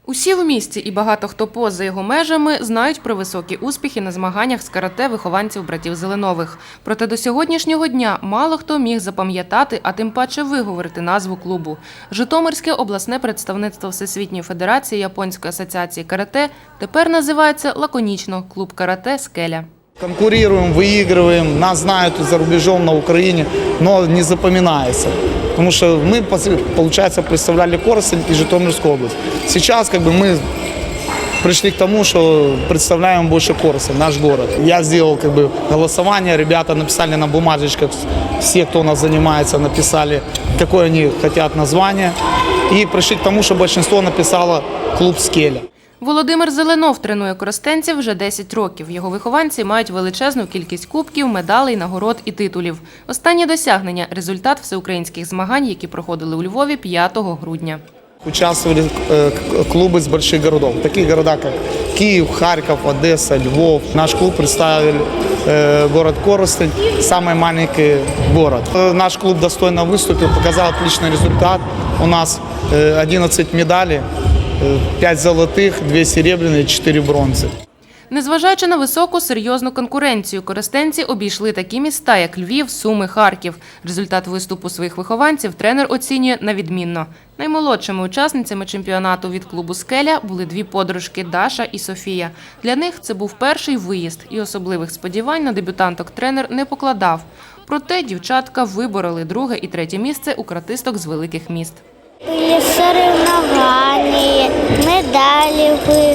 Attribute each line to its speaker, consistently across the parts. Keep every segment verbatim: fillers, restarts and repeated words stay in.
Speaker 1: Усі в місті і багато хто поза його межами знають про високі успіхи на змаганнях з карате вихованців братів Зеленових. Проте до сьогоднішнього дня мало хто міг запам'ятати, а тим паче виговорити назву клубу. Житомирське обласне представництво Всесвітньої федерації Японської асоціації карате тепер називається лаконічно «Клуб карате «Скеля».
Speaker 2: Конкурируем, выигрываем, нас знают за рубежом, на Украине, но не запоминается. Потому что мы, получается, представляли Коростень и Житомирскую область. Сейчас как бы мы пришли к тому, что представляем больше Коростень, наш город. Я сделал как бы голосование, ребята написали на бумажечках, все, кто у нас занимается, написали, какое они хотят название. И пришли к тому, что большинство написало «Клуб «Скеля».
Speaker 1: Володимир Зеленов тренує коростенців вже десять років. Його вихованці мають величезну кількість кубків, медалей, нагород і титулів. Останнє досягнення – результат всеукраїнських змагань, які проходили у Львові п'ятого грудня.
Speaker 2: Участвовали клубы из больших городов, такие города, как Киев, Харьков, Одесса, Львов. Наш клуб представил город Коростень, самый маленький город. Наш клуб достойно выступил, показал отличный результат. У нас одиннадцать медалей, п'ять золотих, дві серебряні, чотири бронзи.
Speaker 1: Незважаючи на високу, серйозну конкуренцію, коростенці обійшли такі міста, як Львів, Суми, Харків. Результат виступу своїх вихованців тренер оцінює на відмінно. Наймолодшими учасницями чемпіонату від клубу «Скеля» були дві подружки – Даша і Софія. Для них це був перший виїзд, і особливих сподівань на дебютанток тренер не покладав. Проте дівчатка вибороли друге і третє місце у каратисток з великих міст.
Speaker 3: Були соревновання, медалі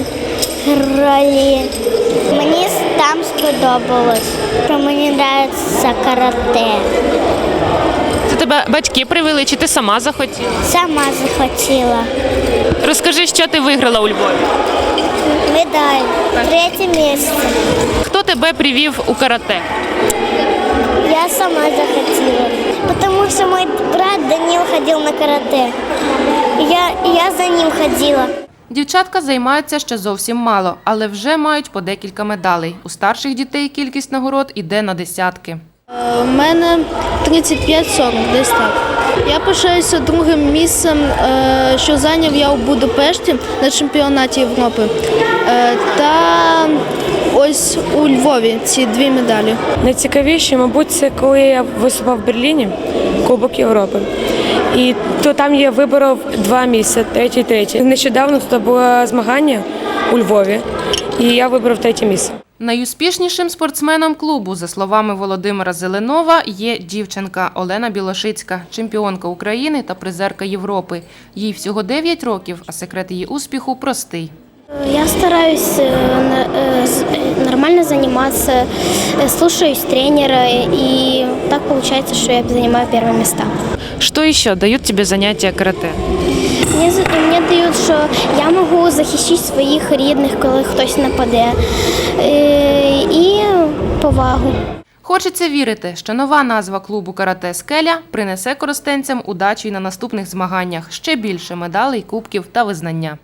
Speaker 3: виграли. Мені там сподобалось, що мені подобається карате.
Speaker 1: Це тебе батьки привели, чи ти сама захотіла?
Speaker 3: Сама захотіла.
Speaker 1: Розкажи, що ти виграла у Львові?
Speaker 3: Медаль, третє місце.
Speaker 1: Хто тебе привів у карате?
Speaker 3: Я сама захотіла, тому що мій брат Данил ходив на карате. Я, я за ним ходила.
Speaker 1: Дівчатка займаються ще зовсім мало, але вже мають по декілька медалей. У старших дітей кількість нагород іде на десятки.
Speaker 4: У мене тридцять п'ять сорок, десь так. Я пишаюся другим місцем, що зайняв я у Будапешті на чемпіонаті Європи. Та ось у Львові ці дві медалі.
Speaker 5: Найцікавіше, мабуть, це коли я виступав в Берліні, Кубок Європи. І то там я виборов два місця, третє і третє. Нещодавно тут було змагання у Львові, і я вибрав третє місце.
Speaker 1: Найуспішнішим спортсменом клубу, за словами Володимира Зеленова, є дівчинка Олена Білошицька, чемпіонка України та призерка Європи. Їй всього дев'ять років, а секрет її успіху простий.
Speaker 3: Я стараюсь нормально заниматься, слушаюсь тренера, и так получается, что я занимаю первые места.
Speaker 1: Что еще дают тебе занятия карате?
Speaker 3: Мне, мне дают, що я можу захищати своїх рідних, коли хтось нападе, і повагу.
Speaker 1: Хочеться вірити, що нова назва клубу карате «Скеля» принесе коростенцям удачі й на наступних змаганнях, ще більше медалей, кубків та визнання.